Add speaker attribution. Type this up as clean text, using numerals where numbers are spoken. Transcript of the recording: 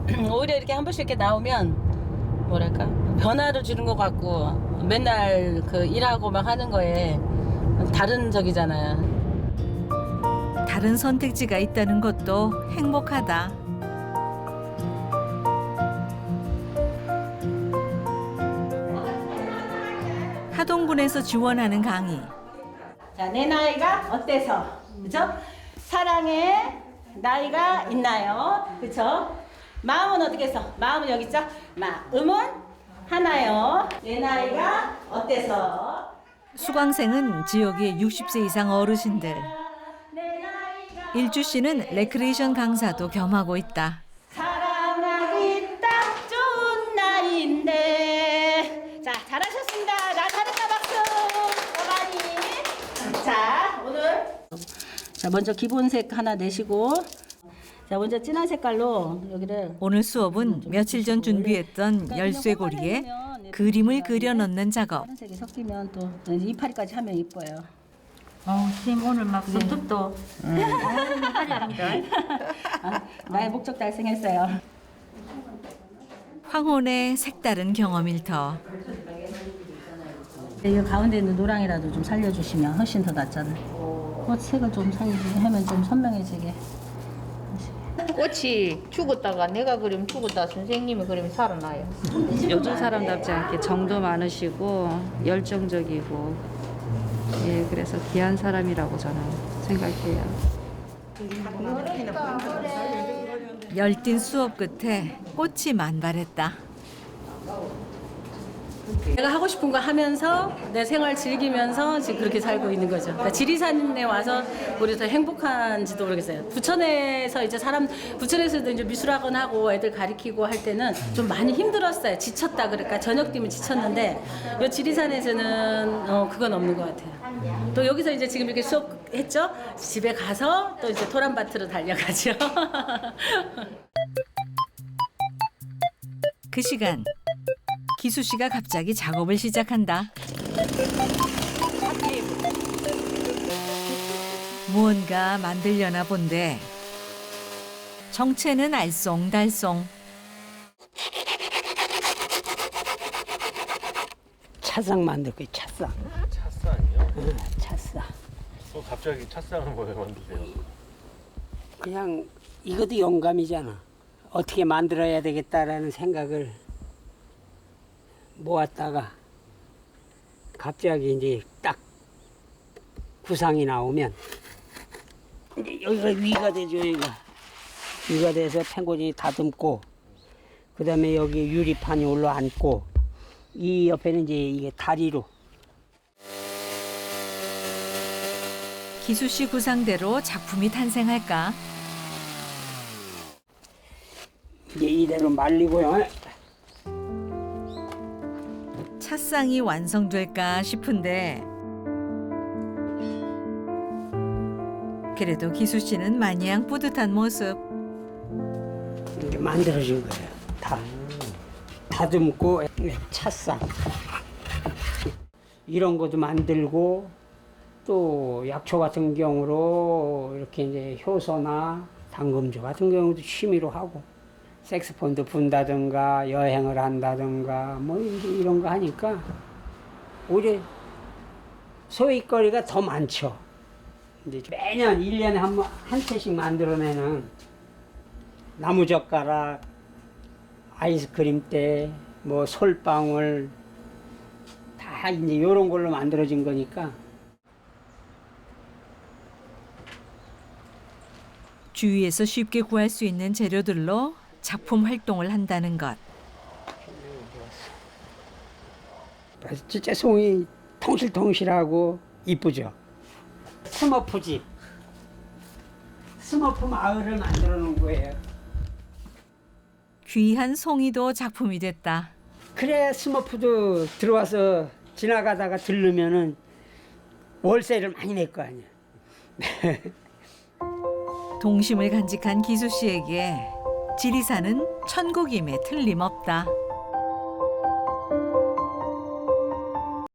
Speaker 1: 오히려 이렇게 한 번씩 이렇게 나오면 뭐랄까 변화를 주는 것 같고 맨날 그 일하고 막 하는 거에 다른 적이잖아요.
Speaker 2: 다른 선택지가 있다는 것도 행복하다. 하동군에서 지원하는 강의.
Speaker 1: 자, 내 나이가 어때서? 그죠? 사랑에 나이가 있나요? 그죠? 마음은 어떻게 해서? 마음은 여기 있죠? 마음은 하나요. 내 나이가 어때서?
Speaker 2: 수강생은 지역의 60세 이상 어르신들.
Speaker 1: 내 나이가
Speaker 2: 일주 씨는 레크레이션 강사도 겸하고 있다.
Speaker 1: 사랑하기 딱 좋은 나이인데. 자, 잘하셨습니다. 나 잘했다 박수. 어머니. 자, 오늘 자 먼저 기본색 하나 내시고 자 먼저 진한 색깔로 여기를
Speaker 2: 오늘 수업은 며칠 전 준비했던 열쇠고리에 그림을 그려 넣는 작업.
Speaker 1: 다른 색이 섞이면 또 이파리까지 하면 이뻐요.
Speaker 3: 선생님 오늘 막 손톱도 화려합니다.
Speaker 1: 나의 목적 달성했어요.
Speaker 2: 황혼의 색다른 경험일 터.
Speaker 1: 이 가운데 있는 노랑이라도 좀 살려주시면 훨씬 더 낫잖아요. 꽃 색을 좀 살려주면 좀 선명해지게.
Speaker 3: 꽃이 죽었다가 내가 그리면 죽었다 선생님이 그리면 살아나요.
Speaker 4: 요즘 사람답지 않게 정도 많으시고 열정적이고 예 그래서 귀한 사람이라고 저는 생각해요.
Speaker 2: 열띤 수업 끝에 꽃이 만발했다.
Speaker 1: 내가 하고 싶은 거 하면서 내 생활 즐기면서 지금 그렇게 살고 있는 거죠. 그러니까 지리산에 와서 우리 더 행복한지도 모르겠어요. 부천에서 이제 부천에서도 이제 미술학원 하고 애들 가르치고 할 때는 좀 많이 힘들었어요. 지쳤다 그러니까 저녁 뛰면 지쳤는데 이 지리산에서는 그건 없는 것 같아요. 또 여기서 이제 지금 이렇게 수업했죠. 집에 가서 또 이제 토란밭으로 달려가죠.
Speaker 2: 그 시간 기수 씨가 갑자기 작업을 시작한다. 무언가 만들려나 본데 정체는 알쏭달쏭.
Speaker 5: 차상 만들 거예요. 차상.
Speaker 6: 찻상이요?
Speaker 5: 차상.
Speaker 6: 갑자기 찻상을 왜 만드세요?
Speaker 5: 그냥 이것도 영감이잖아. 어떻게 만들어야 되겠다라는 생각을 모았다가 갑자기 이제 딱 구상이 나오면 이제 여기가 위가 되죠. 여기가 위가 돼서 팽고지 다듬고 그다음에 여기 유리판이 올라앉고 이 옆에는 이제 이게 다리로
Speaker 2: 기수 씨 구상대로 작품이 탄생할까?
Speaker 5: 이제 이대로 말리고요.
Speaker 2: 찻상이 완성될까 싶은데 그래도 기수 씨는 마냥 뿌듯한 모습.
Speaker 5: 이게 만들어진 거예요. 다 다듬고 찻상 이런 것도 만들고 또 약초 같은 경우로 이렇게 이제 효소나 당금주 같은 경우도 취미로 하고 색소폰도 분다든가 여행을 한다든가 뭐 이런 거 하니까 오히려 소일거리가 더 많죠. 이제 매년 1년에 한 채씩 만들어내는 나무젓가락, 아이스크림대, 뭐 솔방울 다 이제 이런 걸로 만들어진 거니까
Speaker 2: 주위에서 쉽게 구할 수 있는 재료들로 작품 활동을 한다는 것.
Speaker 5: 진짜 송이 통실통실하고 이쁘죠. 스머프 마을을 만들어 놓은 거예요.
Speaker 2: 귀한 송이도 작품이 됐다.
Speaker 5: 그래야 스머프도 들어와서 지나가다가 들르면은 월세를 많이 낼 거 아니야.
Speaker 2: 동심을 간직한 기수 씨에게 지리산은 천국임에 틀림없다.